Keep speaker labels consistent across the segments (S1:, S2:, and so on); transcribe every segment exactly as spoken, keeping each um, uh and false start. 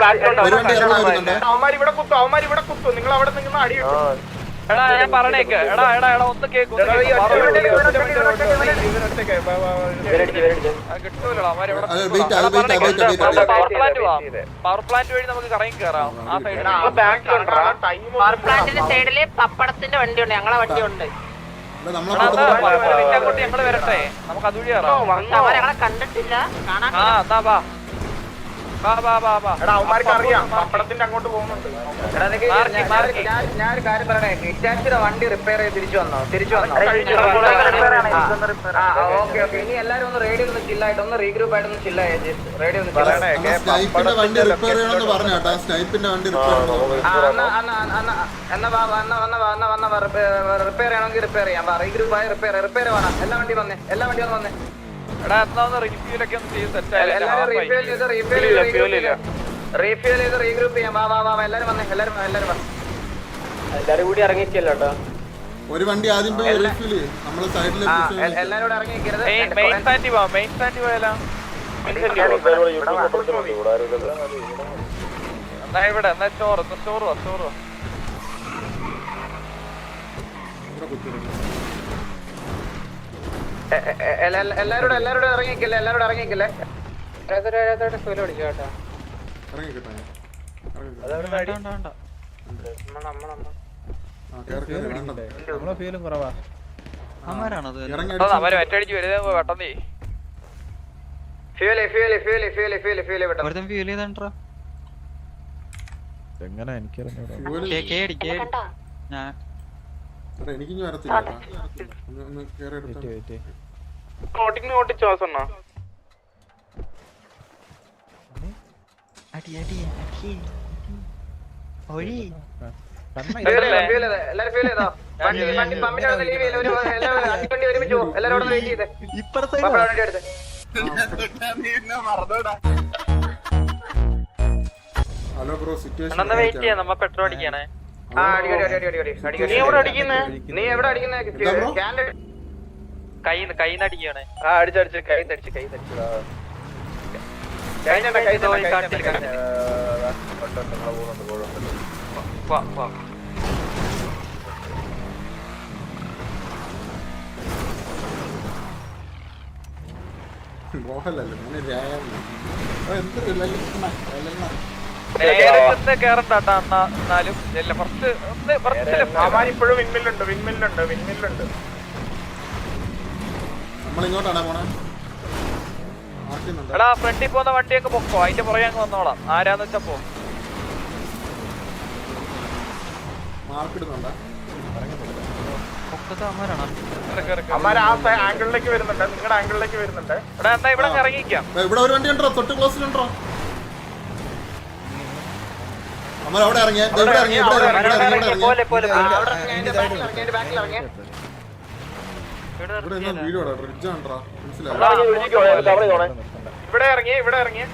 S1: ഇവിടെ കുത്തും അവന്മാർ ഇവിടെ കുത്തും നിങ്ങൾ അവിടെ നിന്ന് അടി കിട്ടും.
S2: എടാ ഞാൻ പറഞ്ഞേക്ക് എടാ എടാ എടാ ഒന്ന് കേക്ക് കിട്ടൂലടാ പവർ പ്ലാന്റ് വഴി നമുക്ക് കറങ്ങി കയറാം. ആ സൈഡിൽ
S3: സൈഡില് പപ്പടത്തിന്റെ വണ്ടിയുണ്ട്, ഞങ്ങളെ വണ്ടിയുണ്ട്.
S2: അങ്ങോട്ട് ഞങ്ങള് വരട്ടെ, നമുക്ക് അതുവഴി കയറാം.
S3: ഞങ്ങളെ കണ്ടിട്ടില്ല, കാണാൻ.
S2: ആ എന്നാ വാ
S1: അവന്മാർക്ക് അറിയാം പപ്പടത്തിന്റെ അങ്ങോട്ട് പോകുന്നുണ്ട്.
S4: ഞാനൊരു കാര്യം പറയണേ, ഹിറ്റാച്ചിയുടെ വണ്ടി റിപ്പയർ ചെയ്ത് തിരിച്ചു വന്നോ? തിരിച്ചു വന്നോ? Okay okay. ഇനി എല്ലാരും ഒന്ന് റേഡിയോ ഒന്ന് ചില്ലായിട്ട് ഒന്ന് റീഗ്രൂപ്പ് ആയിട്ട് ഒന്ന് ചില്ലായി റേഡിയോ ഒന്ന്
S5: വണ്ടി റിപ്പയർ ചെയ്യണമെന്ന് പറഞ്ഞു കേട്ടോ. സ്നൈപ്പിന്റെ വണ്ടി റിപ്പയർ
S4: എന്നാ വന്ന വന്ന വന്ന വന്ന റിപ്പയർ ചെയ്യണമെങ്കിൽ റിപ്പയർ ചെയ്യാം. റീഗ്രൂപ്പ് ആയി റിപ്പയർ റിപ്പയർ വേണം. എല്ലാ വണ്ടി വന്നേ, എല്ലാ വണ്ടി ഒന്ന് വന്നേ.
S2: എടാ എന്നാ ഒന്ന് റിഫ്യൂലൊക്കെ ഒന്ന് ചെയ്ത് സെറ്റ്
S4: റീഫ്യൂൽ ചെയ്ത് റീഗ്രൂപ്പ് ചെയ്യാം. വാ വാ വാ എല്ലാരും വന്നേ, എല്ലാരും എല്ലാരും വാ.
S6: എല്ലാരും കൂടി ഇറങ്ങിക്കല്ലോ കേട്ടോ.
S5: ഒരു വണ്ടി ആദ്യം പോയി റീഫ്യൂൽ ചെയ്യും. നമ്മള് സൈഡില്
S4: എല്ലാരും കൂടെ ഇറങ്ങിക്കരുത്.
S2: മെയിൻ സ്റ്റാൻഡ് പോവാം, മെയിൻ സ്റ്റാൻഡ് പോയാലോ? എന്നാ ഇവിടെ എന്നാ സ്റ്റോർ സ്റ്റോർ വാ സ്റ്റോർ വാ.
S4: എല്ലാരോടും എല്ലാരോടും ഇറങ്ങിക്കല്ലേ, എല്ലാരോടും ഇറങ്ങിക്കല്ലേ.
S2: മറ്റടിച്ച് വരുന്നത് പെട്ടെന്ന്
S7: എങ്ങനെ എനിക്കറിഞ്ഞൂടാ.
S5: എനിക്കിഞ്ഞു വരത്തില്ല. ഹലോ ബ്രോ, സിറ്റുവേഷൻ
S2: വെയിറ്റ് ചെയ്യാം, നമ്മ പെട്രോൾ അടിക്കണേ.
S4: നീ എവിടെ അടിക്കുന്നേ?
S2: കൈ കൈന്ന് അടിക്കണേ.
S1: ആ അടിച്ചടിച്ച് കൈ തടിച്ച് കൈ തടിച്ചു
S2: കേറണ്ടാ എന്നാലും
S1: ഇപ്പോഴും വിൻമില്ലുണ്ട് വിൻമില്ലുണ്ട് വിൻമില്ലുണ്ട്.
S5: നമ്മളിങ്ങോട്ടാണ് പോണേ.
S2: എടാ ഫ്രണ്ടിൽ പോകുന്ന വണ്ടിയൊക്കെ പൊക്കോ, അതിന്റെ പുറകെ അങ്ങ് വന്നോളാം. ആരാന്ന് വെച്ചാ പോ.
S5: മാർക്കിടുന്നുണ്ടോ?
S1: അമ്മാര് ആ ആംഗിളിലേക്ക് വരുന്നുണ്ട്, നിങ്ങളുടെ ആംഗിളിലേക്ക് വരുന്നുണ്ട്.
S2: എടാ എന്നാ ഇവിടെ ഇറങ്ങിക്കാം.
S5: ഇവിടെ ഒരു വണ്ടി ഉണ്ടോ? തൊട്ട് ക്ലോസിലുണ്ടോ? നമ്മൾ അവിടെ ഇറങ്ങിയ ഇവിടെ ഇറങ്ങിയ വീഡിയോ ബ്രിഡ്ജ് ആണ്ട്രാ, മനസ്സിലായി.
S1: ഇവിടെ ഇറങ്ങിയ ഇവിടെ ഇറങ്ങിയ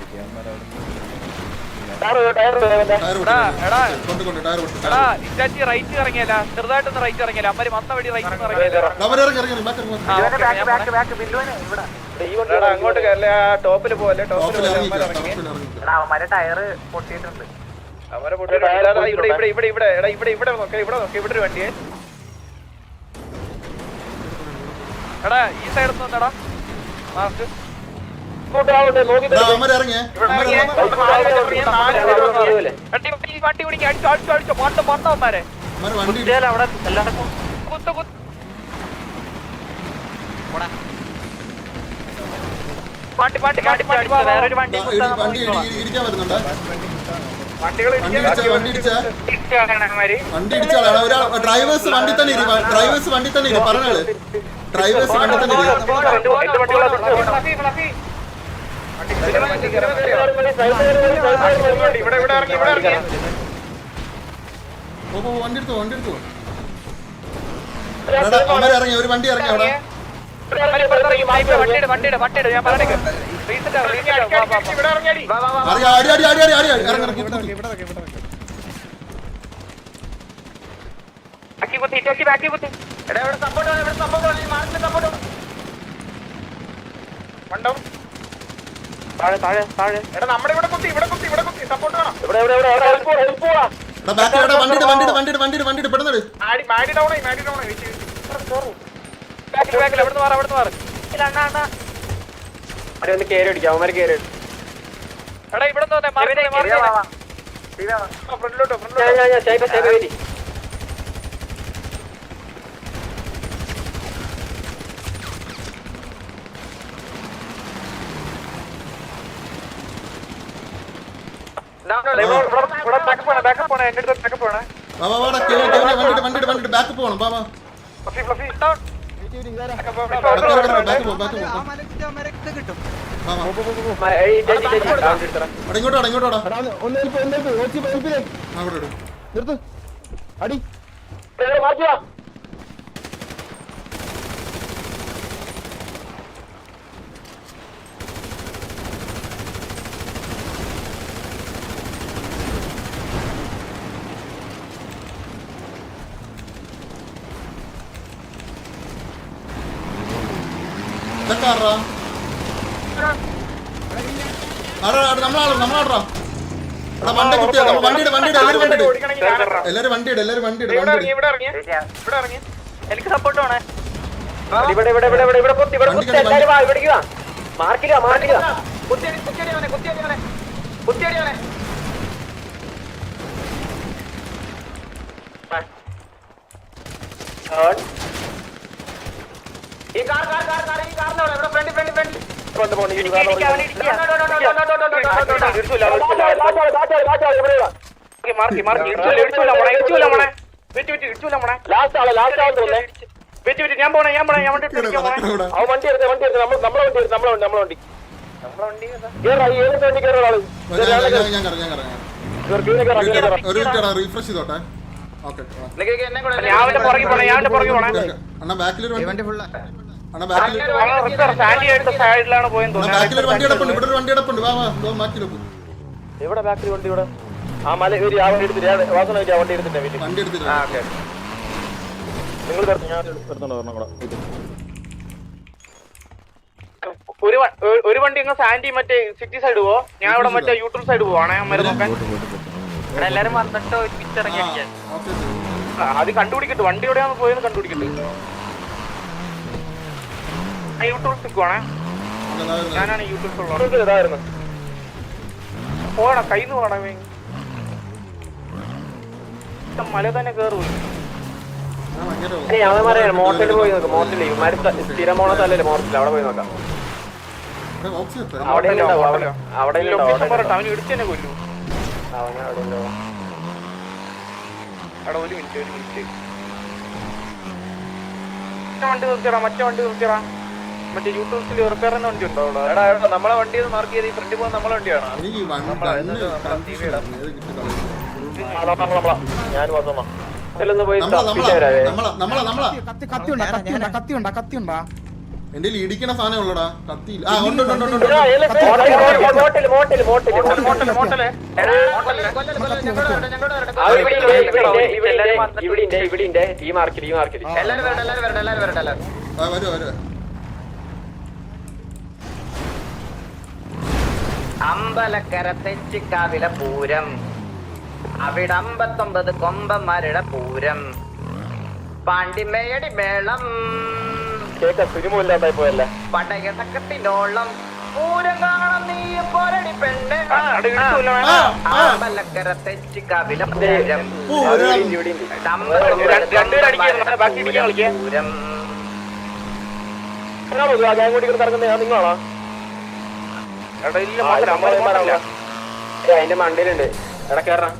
S2: റൈറ്റ് ഇറങ്ങിയല്ല, ചെറുതായിട്ടൊന്ന് റൈറ്റ് ഇറങ്ങിയല്ല. അമ്മര് വന്ന വഴി റൈറ്റ്
S1: അങ്ങോട്ട് കയറില്ല. ടോപ്പില് പോലെ
S4: ടയറ് പൊട്ടിയിട്ടുണ്ട്.
S1: അവരെ ഇവിടെ ഇവിടെ ഇവിടെ ഇവിടെ എടാ ഇവിടെ ഇവിടെ നോക്ക ഇവിടെ നോക്ക ഇവിടെ ഒരു വണ്ടിയെ.
S2: എടാ ഈ സൈഡിൽ നിന്നെടാ മാർക്ക് വണ്ടി പിടിക്കുക. അടിച്ചോ അടിച്ചോ അടിച്ചോ മൊത്തം മൊത്തവന്മാരെ അവിടെ കുത്ത് കുത്ത്. വണ്ടി വണ്ടി വണ്ടി വണ്ടി വേറൊരു വണ്ടി
S5: ഇരിക്കാൻ വരുന്നുണ്ട്.
S1: വണ്ടികൾ
S5: വണ്ടി ഇടിച്ചാളാണ് ഒരാൾ. ഡ്രൈവേഴ്സ് വണ്ടി തന്നെ ഇരി, ഡ്രൈവേഴ്സ് വണ്ടി തന്നെ ഇരി. പറഞ്ഞാള് ഡ്രൈവേഴ്സ് വണ്ടി തന്നെ ഇരി.
S1: ഇവിടെ ഇവിടെ ഇറങ്ങി ഇവിടെ ഇറങ്ങി
S5: ഓ വണ്ടി എടുത്തു വണ്ടി എടുത്തു. അവന്മാർ ഇറങ്ങി, ഒരു വണ്ടി ഇറങ്ങി അവിടെ.
S2: വണ്ടിയുടെ വണ്ടിയുടെ വണ്ടിയുടെ ഞാൻ പറഞ്ഞേക്ക്
S5: അറിയാം അടി അടി അടി അടി അടി ഇറങ്ങി
S1: നമ്മുടെ ഇവിടെ കുത്തി ഇവിടെ കുത്തി ഇവിടെ കുത്തി സപ്പോർട്ട്
S5: ബാക്കിലോടെ വണ്ടിയുടെ വണ്ടിയുടെ വണ്ടിയുടെ വണ്ടിയുടെ വണ്ടിയുടെ പെടുന്നത്
S1: മാടി മാടി ഡൗൺ ആയി മാടി ഡൗൺ ആയി വെച്ച്
S2: ബാക്കിൽ ബാക്കിൽ എവിടുന്ന് മാറി എവിടുന്ന് മാറി ഇല്ല അണ്ണാ അണ്ണാ
S6: അവരെ ഒന്ന് കേറി അടിക്കാം അവന്മാര് കേറി
S2: എടാ ഇവിടെ നിന്ന് മാറി മാറി
S1: ഫ്രണ്ടിലോട്ടോ ഫ്രണ്ടിലോട്ടോ
S6: ഞാൻ ഞാൻ ഞാൻ സൈബർ സൈബർ വേരി
S2: ഇവിടെ ബാക്കപ്പ് പോണേ ബാക്കപ്പ് പോണേ എന്റെ അടുത്ത് ബാക്കപ്പ് പോണേ
S5: വാ വാ വാടാ കേറി കേറി വണ്ടിയുടെ വണ്ടിയുടെ വണ്ടിയുടെ ബാക്ക് പോകണം വാ വാ
S2: ഫ്ലഫി ഫ്ലഫി ഡൗൺ
S5: ബാക്ക് പോ ബാക്ക് പോ ബാക്ക് പോ വാ വാ അവിടെ ഇങ്ങോട്ടോ ഇങ്ങോട്ടോ അവിടെ ഇടും ഇതൊക്കെ നമ്മളാളോ നമ്മളാടാ എടാ വണ്ടി കുത്തിയാ വണ്ടിയുടെ വണ്ടിയുടെ എല്ലാരും വണ്ടിയുടെ എല്ലാരും വണ്ടിയുടെ എല്ലാരും വണ്ടിയുടെ
S1: ഇവിടെ
S5: വണ്ടിയുടെ
S1: ഇറങ്ങി ഇവിടെ ഇറങ്ങി ഇവിടെ ഇറങ്ങി
S2: എനിക്ക് സപ്പോർട്ട് വേണേ
S6: ഇവിടെ ഇവിടെ ഇവിടെ ഇവിടെ ഇവിടെ പൊത്തി ഇവിടെ പൊത്തി എല്ലാരും വാ ഇവിടേക്ക് വാ മാർക്കില്ല മാർക്കില്ല
S4: കുത്തിയടി കുത്തിയടി അവനെ കുത്തിയടി അവനെ കുത്തിയടി അവനെ ഈ കാർ കാർ കാർ കാർ ഈ കാറിന്റെ അവിടെ ഇവിടെ ഫ്രണ്ട് ഫ്രണ്ട് ഫ്രണ്ട്
S6: കൊണ്ട് പോണി
S2: മാർക്കി മാർക്കി ഇടിച്ചൂല ഇടിച്ചൂല മോണേ ഇടിച്ചൂല മോണേ വെറ്റി വെറ്റി ഇടിച്ചൂല മോണേ
S6: ലാസ്റ്റ് ആള് ലാസ്റ്റ് ആള് തോന്നേ
S2: വെറ്റി വെറ്റി ഞാൻ പോണേ ഞാൻ പോണേ ഞാൻ വണ്ടി എടുത്ത് പോണേ
S6: അവൻ വണ്ടി എടുത്ത് വണ്ടി എടുത്ത് നമ്മൾ നമ്മളെ വണ്ടി എടുത്ത് നമ്മളെ വണ്ടി നമ്മളെ വണ്ടി കേറാ ഈ ഏത് വണ്ടി കേറാ ആള്
S5: ഞാൻ കറ ഞാൻ കറ ഒരു മിനിറ്റ് റീഫ്രഷ് ചെയ്തോട്ടെ ഓക്കെ
S4: എന്നെ കൂടെ
S2: ഞാൻ അവന്റെ പുറകെ പോണേ ഞാൻ അവന്റെ പുറകെ പോണേ
S5: അണ്ണാ ബാക്കിലൊരു വണ്ടി ഫുൾ അണ്ണാ ബാക്കിൽ
S2: സാൻഡി ആയിട്ട് സൈഡിലാണ് പോയെന്ന്
S5: അണ്ണാ ബാക്കിലൊരു വണ്ടി കിടപ്പുണ്ട് ഇവിടെ ഒരു വണ്ടി കിടപ്പുണ്ട് വാ വാ ദോ ബാക്കിലോട്ട്
S6: എവിടെ ബാക്കിൽ വണ്ടി ഇവിടെ ആ മല കയറി ആ വണ്ടി എടുത്തിട്ട് വാസന ആ വണ്ടി എടുത്തിട്ട് വീട്ടിൽ
S5: വണ്ടി എടുത്തിട്ട്
S6: നിങ്ങൾ ഞാൻ എടുത്തോണ്ട് വരണം കൂടെ
S2: ഒരു ഒരു വണ്ടി അങ്ങ് സാൻഡി മറ്റേ സിറ്റി സൈഡ് പോവോ ഞാൻ ഇവിടെ മറ്റേ യൂട്യൂബ് സൈഡ് പോവാണേ അമ്മ നോക്കാൻ എല്ലാരും വന്നിട്ട് പിച്ചിറങ്ങി അടിക്കാൻ അത് കണ്ടുപിടിക്കട്ടെ വണ്ടി എവിടെയാണ് പോയെന്ന് കണ്ടുപിടിക്കട്ടെ യൂട്യൂബ് നിൽക്കുവാണേ ഞാനാണ് യൂട്യൂബ് ഉള്ളത്
S6: ഇതായിരുന്നു
S2: പോണ കയ്യിൽ നിന്ന് പോണേ മല തന്നെ കേറൂ
S6: അവന്മാരെ മോട്ടലിൽ പോയി നോക്കാം മോട്ടലിൽ ഇവന്മാര് സ്ഥിരം പോണ സ്ഥലല്ലേ മോട്ടലിൽ അവിടെ പോയി നോക്കാം അവിടെ അവിടെ
S2: അവന് ഇടിച്ചു തന്നെ കൊല്ലു
S6: അവനെ അവിടെ
S2: അവിടെ ഒരു മിനിറ്റ് ഒരു മിനിറ്റ് വണ്ടി നിർത്തിയടാ മറ്റേ വണ്ടി നിർത്തിയടാ മറ്റേ യൂട്യൂബിൽ റിപ്പയർ ചെയ്യുന്ന വണ്ടി ഉണ്ടോ അവിടെ
S1: എടാ എടാ നമ്മളെ വണ്ടി ഒന്ന് മാർക്ക് ചെയ്ത് ഈ ഫ്രണ്ടിൽ പോകുന്ന നമ്മളെ വണ്ടിയാണോ
S5: എനിക്ക്
S6: ഞാൻ വന്നോ ഇതിലൊന്ന് പോയി
S5: എന്റെ ഇടിക്കണ സാധനം ഉള്ളടാ കത്തിയില്ല ആ ഉണ്ട് ഉണ്ട് ഉണ്ട്
S6: മോട്ടല് മോട്ടല് മോട്ടല്
S2: മോട്ടല് മോട്ടല്
S6: ഇവിടെ ഇവിടെ ഈ മാർക്കറ്റ് ഈ മാർക്കറ്റ്
S4: എല്ലാരും വരട്ടെ എല്ലാരും വരട്ടെ എല്ലാരും വരട്ടെ എല്ലാരും
S5: വരൂ വരൂ
S4: അമ്പലക്കര തെച്ചിക്കാവിലെ പൂരം അവിടെ അമ്പത്തൊമ്പത് കൊമ്പന്മാരുടെ പൂരം പാണ്ടിമേയടി മേളം
S6: കേക്ക സിനിമയില്ലാണ്ടായി പോയല്ലേ
S4: പടയടക്കത്തിനോളം പൂരം കാണാൻ നീ പോരടി പെണ്ണ് അമ്പലക്കര തെച്ചിക്കാവിലെ പൂരം പൂരം
S6: ഞാൻ കൂടി ഇറങ്ങുന്ന നിങ്ങളാണോ അതിന്റെ മണ്ടയിലുണ്ട് എടാ കേറാ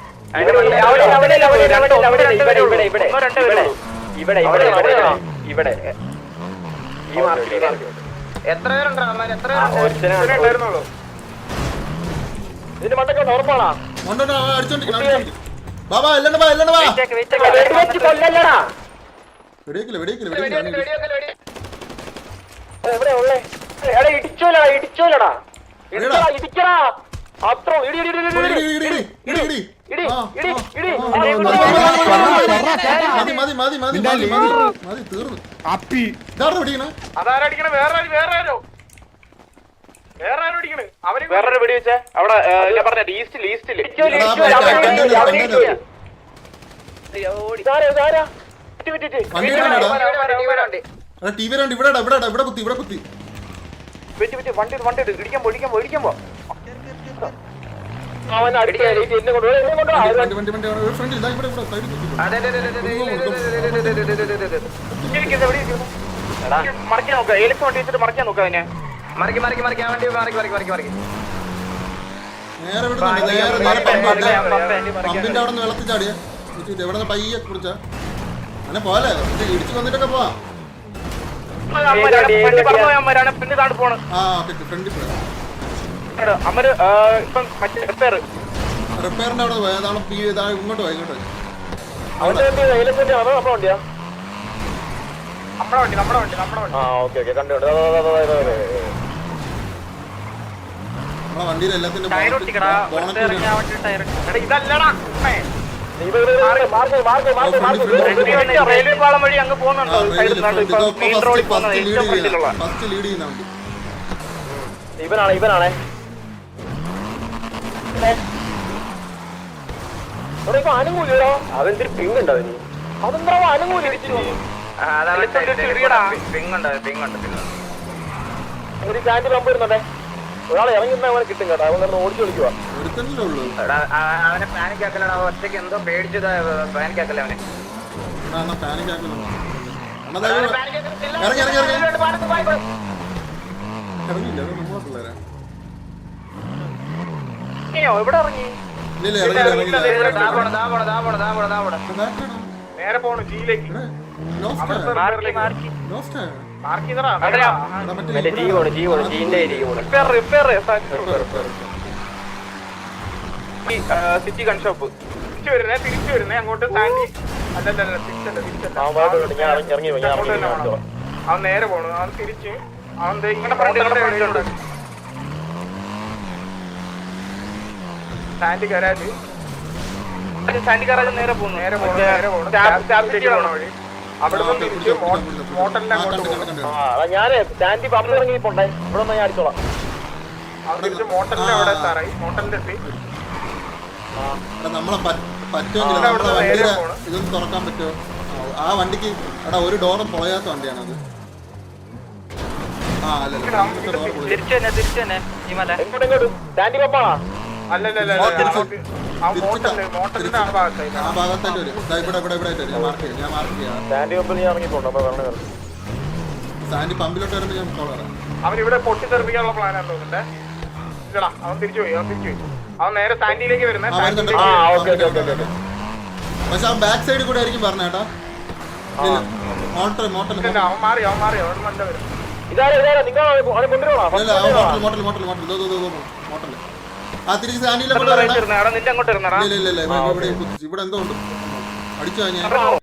S6: ഇവിടെ ഇവിടെ ഈ മാർക്കറ്റ്
S4: എത്ര പേരുണ്ടോ അമ്മ എത്ര
S6: പേരുണ്ടായിരുന്നുള്ളൂ ഇതിന്റെ മണ്ടൊക്കെ ഉറപ്പാണോ
S5: അടിച്ചോണ്ടിരിക്കണം ബാബാ എല്ലാം വാ എല്ലാം വാ
S6: കൊല്ലല്ലടാ
S5: വെടിയേക്കില്ല വെടിയേക്കില്ല വെടിയേക്കില്ല
S6: എവിടെ ഉള്ളേ എടാ ഇടിച്ചോലടാ ഇടിച്ചോലടാ ഇടിക്കടാ ഇടിക്കടാ അത്ര ഇടി ഇടി ഇടി ഇടി ഇടി ഇടി ഇടി
S5: മതി മതി മതി മതി മതി മതി തീർന്നു അപ്പി ഇതാരുടെ വെടിക്കണ
S2: അതാരടിക്കണ വേറെ വേറെ ആരോ
S1: വേറെ ആരും അടിക്കണ് അവര്
S2: വേറൊരു വെടി വെച്ചേ അവിടെ ഏ, ഞാൻ പറഞ്ഞ ഈസ്റ്റിൽ ഈസ്റ്റില്
S5: വണ്ടി എടാ ടി വി വണ്ടി ഇവിടെ ഇവിടെ ഇവിടെ കുത്തി ഇവിടെ കുത്തി
S2: വെച്ച് വെച്ച് വണ്ടി ഇട്, വണ്ടി ഇട്. ഇടിക്കാൻ പോ ഇടിക്കാൻ പോ ഇടിക്കാൻ പോ
S6: അവൻ അടിക്കാൻ എന്നെ കൊണ്ടുപോയി എന്നെ കൊണ്ടുപോയി
S5: വണ്ടി വണ്ടി വണ്ടി ഒരു ഫ്രണ്ട് ഇതാ ഇവിടെ ഇവിടെ സൈഡിൽ കുത്തി
S4: അതെ അതെ അതെ അതെ
S2: ഇരിക്കുന്നത് എവിടെ ഇരിക്കുന്നു? മറിക്കാൻ നോക്കുക ഏലക്സ് വണ്ടി വെച്ചിട്ട് മറിക്കാൻ നോക്കുക അതിനെ
S4: മറിക്ക് മറിക്ക് മറിക്ക് ആ വണ്ടി മറിക്ക് മറിക്ക് മറിക്ക് മറിക്ക്
S5: നേരെ വിടുന്നുണ്ട് നേരെ നേരെ പമ്പുണ്ട് പമ്പിന്റെ അവിടെ നിന്ന് വെള്ളത്തിൽ ചാടിയ എവിടെ നിന്ന് പയ്യെ കുറിച്ചാ അങ്ങനെ പോലെ ഇടിച്ചു വന്നിട്ടൊക്കെ പോവാം
S2: ഫ്രണ്ട് പറഞ്ഞു പോയാൽ അമ്മരാണ് പിന്നെ താണ്ട് പോണ്
S5: ആ ഓക്കെ ഫ്രണ്ടിൽ പോയാ
S2: അമ്മര് ഇപ്പം മറ്റേ റിപ്പയർ
S5: റിപ്പയറിന്റെ അവിടെ പോയാ അതാണ് പി ഇതാണ് ഇങ്ങോട്ട് പോയി ഇങ്ങോട്ട് പോയി
S6: അവന്റെ വണ്ടി ഏലത്തിന്റെ അതോ നമ്മുടെ വണ്ടിയാ
S1: നമ്മുടെ വണ്ടി നമ്മുടെ വണ്ടി നമ്മുടെ വണ്ടി
S6: ആ ഓക്കെ ഓക്കെ കണ്ടു കണ്ടു അതെ അതെ അതെ അതെ
S5: നമ്മളെ വണ്ടിയിൽ എല്ലാത്തിന്റെ
S3: ടയർ ഒട്ടിക്കടാ
S5: ബോണറ്റ്
S3: ഇറങ്ങിയ വണ്ടി ടയർ
S1: എടാ ഇതല്ലടാ അമ്മേ.
S6: Mark mark mark mark
S2: railway പാളം വഴി അങ്ങ് പോകുന്നുണ്ടോ സൈഡിൽ മെയിൻ റോഡിൽ പോകുന്നത് ഏറ്റവും ഫ്രണ്ടിലുള്ള
S5: ഫസ്റ്റ് ലീഡ് ചെയ്യുന്ന വണ്ടി
S6: ഇവനാണ് ഇവനാണേ ഇവിടെ ഇപ്പൊ അനുകൂലോ അതെന്തൊരു പിങ് ഉണ്ടോ അവന് അതെന്താ അനുകൂലം
S4: പിങ്ങുണ്ട് പിങ്ങുണ്ട് പിങ്ങുണ്ട്
S6: ഒരു സ്റ്റാൻഡ് പമ്പ് വരുന്നുണ്ടേ ഒരാളെ ഇറങ്ങി അവനെ കിട്ടും കേട്ടോ അവൻ കിടന്ന് ഓടിച്ചു കളിക്കുക
S5: ഒരുത്തല്ലേ ഉള്ളൂ
S4: എടാ, ആ- അവനെ പാനിക് ആക്കലടാ ഒറ്റയ്ക്ക് എന്തോ പേടിച്ചത് പാനിക് ആക്കല്ലേ അവനെ
S5: എന്നാ പാനിക് ആക്കുന്നു ഇറങ്ങി ഇറങ്ങി ഇറങ്ങി ഇറങ്ങിയില്ല അത് നമ്മളെ പിള്ളേരാ
S2: എവിടെ ഇറങ്ങി
S5: ഇല്ല ഇല്ല ഇറങ്ങിയില്ല ഇറങ്ങിയില്ല
S4: ദാ പോണ്, ദാ പോണ്, ദാ പോണ്, ദാ പോണ്, ദാ പോണ്.
S5: ബാക്കാണോ
S1: നേരെ പോണു ജിയിലേക്ക്
S5: ലോസ്റ്റ് ലോസ്റ്റ്
S1: മാർക്ക് ചെയ്തടാ
S6: മറ്റേ ജീ പോണ് ജീ പോണ് ജീന്റെ ജീ പോണ്
S2: repair repair city gun shop
S1: തിരിച്ചു വരുന്നേ തിരിച്ചു വരുന്നേ അങ്ങോട്ട് സാൻഡി അല്ലല്ല തിരിച്ചല്ല തിരിച്ചല്ല
S6: ആ ഭാഗത്തോട്ട് ഞാൻ ഇറങ്ങി ഇറങ്ങി ഞാൻ
S1: അങ്ങോട്ട്
S6: ഇറങ്ങി
S1: തന്നെ
S6: കാണിച്ചോ
S1: പോണം. അവൻ നേരെ പോണു അവൻ തിരിച്ച് അവൻ ദേ ഇങ്ങനെ
S2: front ൽ
S1: ഹോട്ടലിന്റെ
S2: front
S1: ഇടയിലുണ്ട്. സാൻഡി ഗരാജ്
S2: സാൻഡി ഗാരാജ് നേരെ പോകുന്നു
S1: നേരെ പോണു നേരെ പോണു
S2: സ്റ്റാബ്- സ്റ്റാബ്
S1: സിറ്റിയിലേക്ക്
S2: സിറ്റി
S1: പോണ വഴി അവിടെ നിന്ന് തിരിച്ച് മോട്ടലിന്റെ അങ്ങോട്ട് പോകും
S6: ആ അതാ ഞാനേ സ്റ്റാൻഡ് പമ്പ് ഇറങ്ങി പോണ്ടേ ഇവിടെ ഒന്ന് ഞാൻ അടിച്ചോളാം
S1: അവൻ തിരിച്ച് മോട്ടലിന്റെ അവിടെ എത്താറായി മോട്ടലിന്റെ എത്തി
S5: എടാ നമ്മളെ പ- പറ്റുമെങ്കിൽ
S1: ആ,
S5: നമ്മളെ
S1: അവിടെ നേരെ
S5: വണ്ടിയുടെ
S1: പോണം.
S5: ഇതൊന്ന് തുറക്കാൻ പറ്റുമോ ആ വണ്ടിക്ക് എടാ ഒരു ഡോറും പൊളയാത്ത വണ്ടിയാണത് ആ അല്ലല്ല ഇവിടുത്തെ ഡോർ പൊളി
S3: തിരിച്ചു തന്നെ തിരിച്ചു തന്നെ ഈ മല
S6: എങ്ങോട്ട് എങ്ങോട്ട് സ്റ്റാൻഡ് പമ്പാണോ
S1: അല്ലല്ല ആ മോട്ടലിന്റെ മോട്ടലിന്റെ ആ ഭാഗത്തായി
S5: ആ ഭാഗത്തായിട്ട് വരും ഇതാ ഇവിടെ ഇവിടെ ഇവിടെ ആയിട്ട് വരും ഞാൻ മാർക്ക് ചെയ്യാം ഞാൻ മാർക്ക് ചെയ്യാം
S6: സ്റ്റാൻഡ് പമ്പിൽ ഞാൻ ഇറങ്ങി പോണ്ടോ അപ്പൊ വരണേ
S5: സാൻഡി പമ്പിലോട്ട് വരുമ്പോൾ ഞാൻ കോൾ പറയാം
S1: അവൻ ഇവിടെ പൊട്ടിത്തെറിപ്പിക്കാനുള്ള പ്ലാനാണ് തോന്നുന്നുണ്ടേ ഇല്ലടാ അവൻ തിരിച്ചു പോയി അവൻ തിരിച്ചു പോയി അവൻ നേരെ സാൻഡിയിലേക്ക് വരുന്നേ
S5: ആ വരുന്നുണ്ട്
S6: ആ
S1: സാൻഡിയിലേക്ക്
S6: ഓക്കെ ഓക്കെ ഓക്കെ ഓക്കെ
S5: പക്ഷെ ആ ബാക്ക് സൈഡിൽ കൂടെ ആയിരിക്കും പറഞ്ഞേട്ടാ മോട്ടർ മോട്ടർ
S1: ഇല്ല, അവൻ മാറി അവൻ മാറി അവിടെ നല്ല വരും
S6: ഇതാരാ ഇതാരാ നിങ്ങൾ അവനെ കൊണ്ടുവരണോ
S5: ഇല്ല മോട്ടർ മോട്ടർ മോട്ടർ മോട്ടർ ഇതോ ഇതോ മോട്ടർ ആ തിരിച്ച് സാൻഡിയിലെ കൊണ്ട് വരണം
S2: അവിടെ നിന്റെ അങ്ങോട്ട് ഇരുന്നടാ
S5: ഇല്ല ഇല്ല ഇല്ല ഇവിടെ ഇവിടെ കുത്തിച്ച്. ഇവിടെ എന്തോ ഉണ്ട് അടിച്ചു കഴിഞ്ഞാൽ
S6: ആ